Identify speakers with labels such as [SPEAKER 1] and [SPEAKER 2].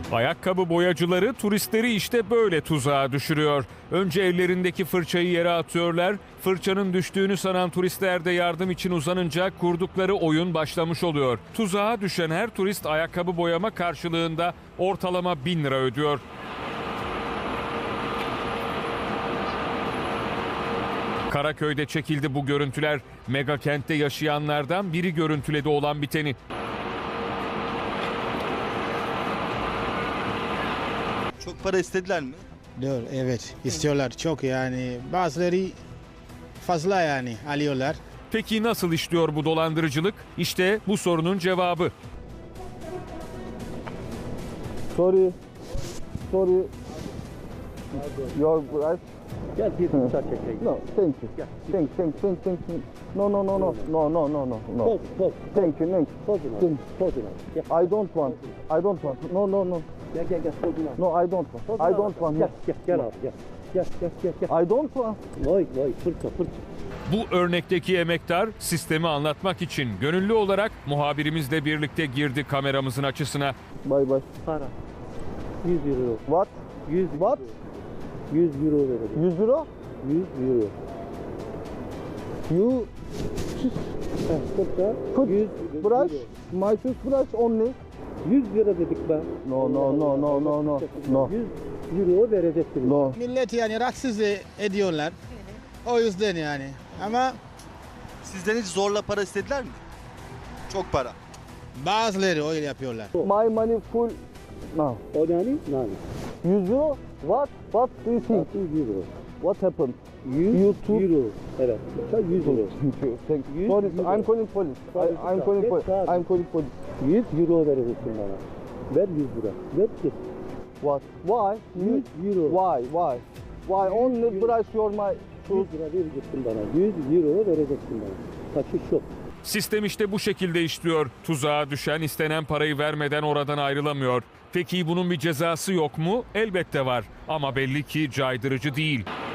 [SPEAKER 1] Ayakkabı boyacıları turistleri işte böyle tuzağa düşürüyor. Önce ellerindeki fırçayı yere atıyorlar. Fırçanın düştüğünü sanan turistler de yardım için uzanınca kurdukları oyun başlamış oluyor. Tuzağa düşen her turist ayakkabı boyama karşılığında ortalama 1000 lira ödüyor. Karaköy'de çekildi bu görüntüler. Mega kentte yaşayanlardan biri görüntüledi olan biteni.
[SPEAKER 2] Çok para istediler mi?
[SPEAKER 3] Doğru, evet istiyorlar çok yani bazıları fazla yani alıyorlar.
[SPEAKER 1] Peki nasıl işliyor bu dolandırıcılık? İşte bu sorunun cevabı.
[SPEAKER 4] Sorry. Your price?
[SPEAKER 5] Gel bir bıçak çekeyim.
[SPEAKER 4] No, thank you. Thank you. No.
[SPEAKER 5] Poz.
[SPEAKER 4] Thank you.
[SPEAKER 5] Pozuna. Gel.
[SPEAKER 4] I don't want. No.
[SPEAKER 5] Gel pozuna.
[SPEAKER 4] No, I don't want. I don't want.
[SPEAKER 5] Gel abi gel. Gel.
[SPEAKER 4] I don't want.
[SPEAKER 5] Vay fırça.
[SPEAKER 1] Bu örnekteki emektar sistemi anlatmak için gönüllü olarak muhabirimizle birlikte girdi kameramızın açısına.
[SPEAKER 4] Bye.
[SPEAKER 5] Para. 100 euro.
[SPEAKER 4] What?
[SPEAKER 5] 100
[SPEAKER 4] What?
[SPEAKER 5] 100 euro verelim.
[SPEAKER 4] 100 euro?
[SPEAKER 5] 100 euro.
[SPEAKER 4] You
[SPEAKER 5] Fırça.
[SPEAKER 4] put
[SPEAKER 5] 100
[SPEAKER 4] brush,
[SPEAKER 5] euro.
[SPEAKER 4] my toothbrush only.
[SPEAKER 5] 100 lira dedik ben.
[SPEAKER 4] No.
[SPEAKER 5] 100 euro vereceksiniz.
[SPEAKER 4] No.
[SPEAKER 3] Millet yani rahatsız ediyorlar. O yüzden yani ama
[SPEAKER 2] Sizden hiç zorla para istediler mi? Çok para.
[SPEAKER 3] bazıları öyle yapıyorlar.
[SPEAKER 4] My money full. No.
[SPEAKER 5] O nani?
[SPEAKER 4] 100 euro? What do you think?
[SPEAKER 5] 100 euro.
[SPEAKER 4] What happened?
[SPEAKER 5] 100
[SPEAKER 4] YouTube.
[SPEAKER 5] euro. Evet. Fırça 100 euro.
[SPEAKER 4] Thank you.
[SPEAKER 5] 100
[SPEAKER 4] Sorry,
[SPEAKER 5] euro.
[SPEAKER 4] I'm calling police. I'm calling
[SPEAKER 5] Yes,
[SPEAKER 4] police.
[SPEAKER 5] sir.
[SPEAKER 4] I'm calling police.
[SPEAKER 5] 100 euro vereceksin bana. Ver 100 lira. Ver ki.
[SPEAKER 4] What? Why?
[SPEAKER 5] 100 euro.
[SPEAKER 4] Why only brush your my
[SPEAKER 5] 100 lira vereceksin bana. 100 euro vereceksin bana. Kaçış yok.
[SPEAKER 1] Sistem işte bu şekilde işliyor. Tuzağa düşen istenen parayı vermeden oradan ayrılamıyor. Peki bunun bir cezası yok mu? Elbette var ama belli ki caydırıcı değil.